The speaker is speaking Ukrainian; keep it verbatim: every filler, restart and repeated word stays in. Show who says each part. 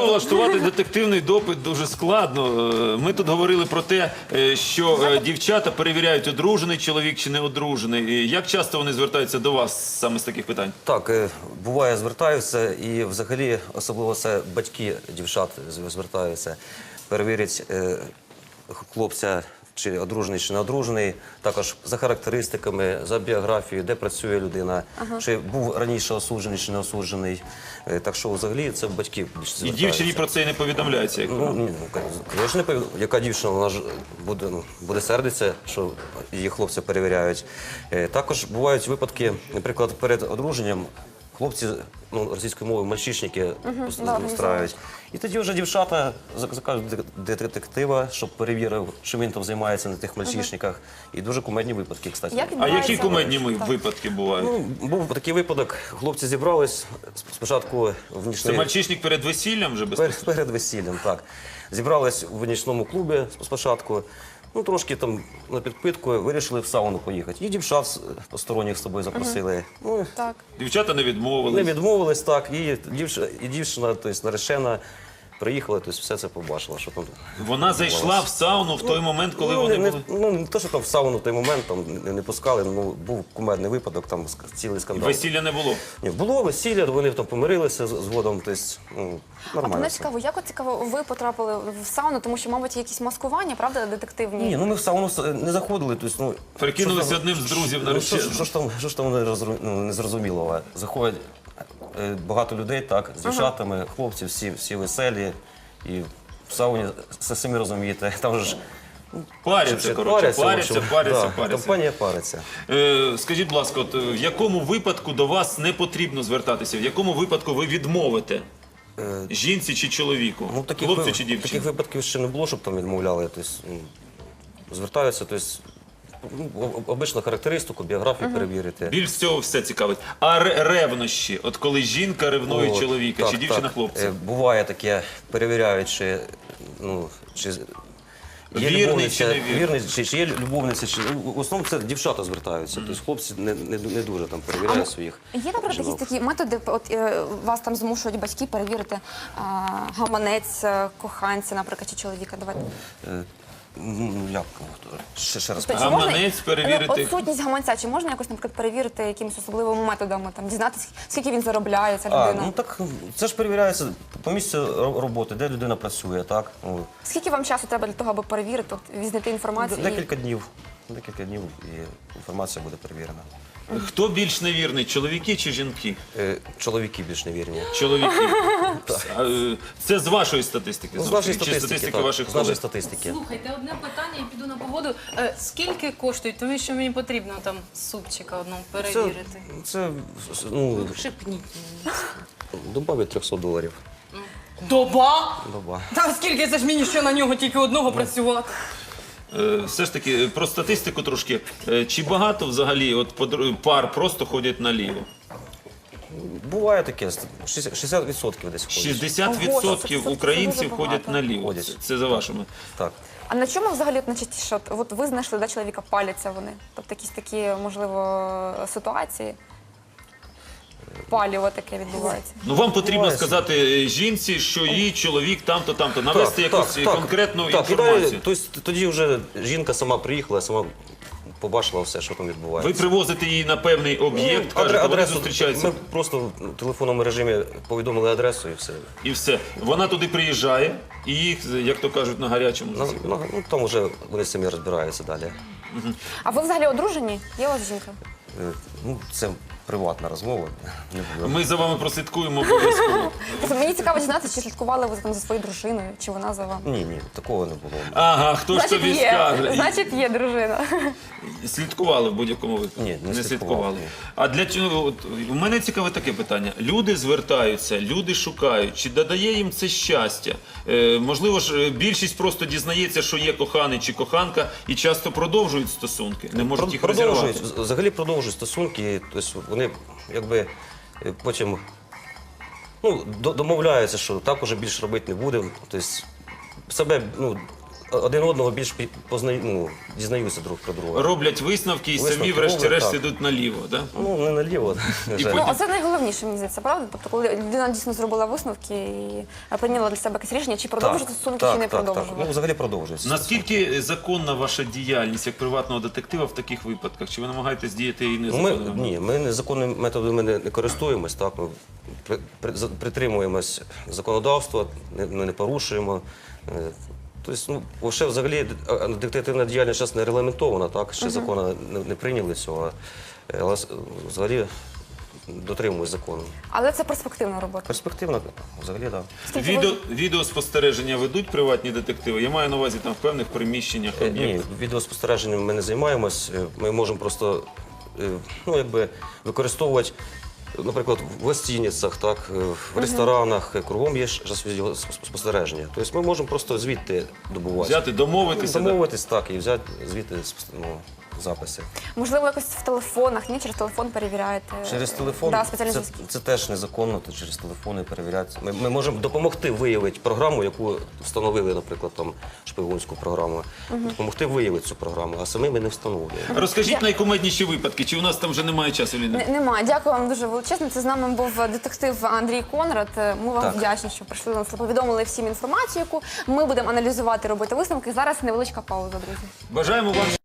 Speaker 1: влаштувати детективний допит дуже складно. Е, Ми тут говорили про те, е, що е, дівчата перевіряють, одружений чоловік чи не одружений. І як часто вони звертаються до вас саме з таких питань?
Speaker 2: Так, е, буває, звертаються, і взагалі, особливо це батьки дівчат з- звертаються, перевірять е, хлопця, чи одружений, чи не одружений, також за характеристиками, за біографією, де працює людина, чи був раніше осуджений, чи не осуджений. Е, Так що, взагалі, це батьки більше
Speaker 1: І
Speaker 2: звертаються.
Speaker 1: дівчині про це і не повідомляється. Як
Speaker 2: Ну, ні, ну, звісно, не повід- яка дівчина, вона ж буде, ну, буде сердитися, що її хлопці перевіряють. Е, Також бувають випадки, наприклад, перед одруженням хлопці, ну, російською мовою, мальчишники устраюють. І тоді вже дівчата зак- закажуть дек- детектива, щоб перевірив, що він там займається на тих мальчишниках. І дуже кумедні випадки, кстати.
Speaker 3: Як
Speaker 1: А
Speaker 3: відбувається?
Speaker 1: які кумедні ми- випадки бувають?
Speaker 2: Ну, був такий випадок, хлопці зібрались спочатку в
Speaker 1: Це
Speaker 2: нічний...
Speaker 1: мальчишник перед весіллям вже безпосередньо?
Speaker 2: Перед, перед весіллям, так. Зібрались в нічному клубі спочатку. Ну, трошки там на підпитку вирішили в сауну поїхати. І дівчат з- посторонніх з собою запросили. Ну,
Speaker 3: Так.
Speaker 1: Дівчата не
Speaker 2: не
Speaker 1: відмовились.
Speaker 2: відмовились, так. І дівчина, і дівчина, тобто наречена, приїхала, тобто все це побачила, що там.
Speaker 1: Вона зайшла в сауну в той момент, коли
Speaker 2: ну,
Speaker 1: вони
Speaker 2: не,
Speaker 1: були.
Speaker 2: ну, не те, що там в сауну в той момент там не, не пускали, ну, був кумедний випадок, там ск- цілий скандал.
Speaker 1: Весілля не було.
Speaker 2: Ні, було весілля, вони там помирилися з- згодом, тобто, ну,
Speaker 3: А
Speaker 2: нормально.
Speaker 3: мене
Speaker 2: все.
Speaker 3: цікаво, як от цікаво, ви потрапили в сауну, тому що, мабуть, є якісь маскування, правда, детективні?
Speaker 2: Ні, ну ми в сауну с- не заходили, тобто, ну...
Speaker 1: Перекинулися
Speaker 2: що ж там-
Speaker 1: одним з друзів на
Speaker 2: Ну, що, ж-
Speaker 1: речі.
Speaker 2: що ж там, що ж там не, розру- ну, не зрозуміло? Заходять е, багато людей, так, з дівчатами, хлопці, всі, всі веселі. І в сауні, все самі розумієте, там же ж...
Speaker 1: Паряться,
Speaker 2: чи-
Speaker 1: коротше,
Speaker 2: в
Speaker 1: паряться,
Speaker 2: общем.
Speaker 1: паряться,
Speaker 2: Да,
Speaker 1: паряться.
Speaker 2: компанія париться.
Speaker 1: Е, Скажіть, будь ласка, от, е, в якому випадку до вас не потрібно звертатися? В якому випадку ви відмовите? Жінці чи чоловіку?
Speaker 2: Ну, таких,
Speaker 1: Хлопцю
Speaker 2: ви-
Speaker 1: чи
Speaker 2: таких
Speaker 1: дівчині?
Speaker 2: випадків ще не було, щоб там відмовляли. Тобто, ну, звертаються, тобто, ну, об- обично характеристику, біографію перевірити.
Speaker 1: Більш всього все цікавить. А ре- ревнощі? От коли жінка ревнує
Speaker 2: От,
Speaker 1: чоловіка,
Speaker 2: так,
Speaker 1: чи дівчина
Speaker 2: так.
Speaker 1: хлопця?
Speaker 2: Е, Буває таке, перевіряють, чи, ну, чи є
Speaker 1: Вірний
Speaker 2: любовниця,
Speaker 1: чи не вірний?
Speaker 2: вірний, чи, чи є любовниця, чи ну, в основному це дівчата звертаються. Тобто хлопці не, не, не дуже там перевіряють своїх.
Speaker 3: Є, наприклад,
Speaker 2: жінок.
Speaker 3: якісь такі методи, от е, вас там змушують батьки перевірити а, гаманець е, коханця, наприклад, чи чоловіка. Давайте.
Speaker 2: Е, Ну, як? Ще, ще раз.
Speaker 3: Тобто,
Speaker 1: Гаманець
Speaker 3: чи можна-
Speaker 1: перевірити?
Speaker 3: Ну, от сутність гаманця, чи можна якось, наприклад, перевірити якимись особливими методами, там, дізнатися, скільки він заробляє, ця
Speaker 2: А,
Speaker 3: людина?
Speaker 2: ну так, це ж перевіряється по місцю ро- роботи, де людина працює, так? Ну,
Speaker 3: Скільки вам часу треба для того, аби перевірити, от, відзнайти інформацію? і-
Speaker 2: декілька днів. Декілька днів і інформація буде перевірена.
Speaker 1: Хто більш невірний, чоловіки чи жінки?
Speaker 2: Е, Чоловіки більш невірні.
Speaker 1: Чоловіки. А, е, Це з вашої статистики?
Speaker 2: Ну, з
Speaker 1: знову ж
Speaker 2: нашої
Speaker 1: таки, чи
Speaker 2: статистики,
Speaker 1: статистики
Speaker 2: так,
Speaker 1: ваших
Speaker 2: з нашої
Speaker 1: колег?
Speaker 2: статистики.
Speaker 4: Слухайте, одне питання і піду на погоду. Е, Скільки коштують? Тому що мені потрібно там супчика одного
Speaker 2: Це,
Speaker 4: перевірити.
Speaker 2: це ну,
Speaker 4: Шипніть мені.
Speaker 2: добавить триста доларів.
Speaker 4: Доба?
Speaker 2: Доба.
Speaker 4: Та скільки це ж мені ще на нього тільки одного працювати?
Speaker 1: Е, Все ж таки, е, про статистику трошки. Е, Чи багато взагалі от подр- пар просто ходять наліво?
Speaker 2: Буває таке, шістдесят відсотків десь ходить.
Speaker 1: шістдесят
Speaker 3: Ого, це
Speaker 1: відсотків українців
Speaker 3: дуже багато.
Speaker 1: ходять наліво.
Speaker 2: Ходять.
Speaker 1: Це- Це за вашими.
Speaker 2: Так.
Speaker 3: А на чому взагалі от найчастіше? От, от ви знайшли, да, чоловіка, паляться вони? Тобто якісь такі, можливо, ситуації? Паліво таке відбувається.
Speaker 1: Ну вам потрібно
Speaker 2: Буває.
Speaker 1: сказати е, жінці, що її чоловік там-то, там-то, навести якусь е, конкретну
Speaker 2: так,
Speaker 1: інформацію.
Speaker 2: І далі, тобто, тоді вже жінка сама приїхала, сама побачила все, що там відбувається.
Speaker 1: Ви привозите її на певний об'єкт,
Speaker 2: Ну,
Speaker 1: кажете,
Speaker 2: адре-
Speaker 1: вони
Speaker 2: адресу,
Speaker 1: зустрічаються
Speaker 2: Ми просто в телефонному режимі повідомили адресу і все.
Speaker 1: і все. Вона туди приїжджає і їх, як то кажуть, на гарячому.
Speaker 2: Ну, ну, ну, там вже вони самі розбираються далі.
Speaker 3: А ви взагалі одружені? Є у вас жінка?
Speaker 2: Е, Ну, це приватна розмова. Не буду.
Speaker 1: Ми за вами прослідкуємо обов'язково.
Speaker 3: Тобто мені цікаво дізнатися, чи слідкували ви там за своєю дружиною, чи вона за вами?
Speaker 2: Ні, ні, такого не було.
Speaker 1: Ага, хто ж
Speaker 3: Значить,
Speaker 1: тобі
Speaker 3: є.
Speaker 1: скаже?
Speaker 3: Значить, є дружина.
Speaker 1: Слідкували в будь-якому випадку?
Speaker 2: Ні, не слідкували, ні.
Speaker 1: А для чого? От, у мене цікаве таке питання. Люди звертаються, люди шукають. Чи додає їм це щастя? Е, можливо ж, е, більшість просто дізнається, що є коханий чи коханка, і часто продовжують стосунки. Не можуть їх
Speaker 2: Продовжують,
Speaker 1: розірвати.
Speaker 2: взагалі продовжують стосунки, тобто вони якби е, потім ну, до- домовляються, що так уже більше робити не будемо. Тобто себе ну, один одного більш пі- познаю, ну, дізнаються друг про друга.
Speaker 1: Роблять висновки і самі,
Speaker 2: Висновки
Speaker 1: врешті-решт,
Speaker 2: роблять, так.
Speaker 1: ідуть наліво. Да?
Speaker 2: Ну, не наліво. на жаль.
Speaker 3: Ну, а це найголовніше, мені здається, правда? Тобто, коли людина дійсно зробила висновки і прийняла для себе якесь рішення, чи продовжити стосунки, чи не
Speaker 2: так, так.
Speaker 3: продовжувати.
Speaker 2: Ну, взагалі продовжується.
Speaker 1: Наскільки законна ваша діяльність як приватного детектива в таких випадках? Чи ви намагаєтесь діяти і
Speaker 2: Ну, ми,
Speaker 1: незаконно?
Speaker 2: ні, ми незаконними методами не, не користуємось, так, ми при, при, за- притримуємось законодавства, не, ми не порушуємо. Е, Тобто, ну, ще взагалі а, детективна діяльність зараз не регламентована, так, ще закону не, не прийняли цього, е, але с- взагалі дотримуємось закону.
Speaker 3: Але це перспективна робота.
Speaker 2: Перспективно, взагалі, так. Да.
Speaker 3: Скільки ви-
Speaker 1: Відео, відеоспостереження ведуть приватні детективи? Я маю на увазі там в певних приміщеннях.
Speaker 2: Е, Ні,
Speaker 1: об'єктах.
Speaker 2: відеоспостереженням ми не займаємось. Е, Ми можемо просто е, ну, якби, використовувати, наприклад, в гостиницях, так, е, в ресторанах, е, кругом є ж відеоспостереження. Тобто ми можемо просто звідти добувати.
Speaker 1: Взяти, домовитися. да?
Speaker 2: Домовитись, так, і взяти звідти ну, записи.
Speaker 3: Можливо, якось в телефонах, ні? Через телефон перевіряєте?
Speaker 2: Через телефон
Speaker 3: Да, спеціальні
Speaker 2: це,
Speaker 3: зв'язки.
Speaker 2: це теж незаконно, то через телефони перевіряти. Ми, ми можемо допомогти виявити програму, яку встановили, наприклад, там шпигунську програму, допомогти виявити цю програму, а самі ми не встановлюємо.
Speaker 1: Розкажіть найкумедніші випадки, чи у нас там вже немає часу, Ліна?
Speaker 3: Не- Немає. Дякую вам дуже величезно. Це з нами був детектив Андрій Конрад. Ми вам
Speaker 2: Так.
Speaker 3: вдячні, що прийшли до нас, повідомили всім інформацію, яку ми будемо аналізувати, робити висновки. Зараз невеличка пауза, друзі.
Speaker 1: Бажаємо вам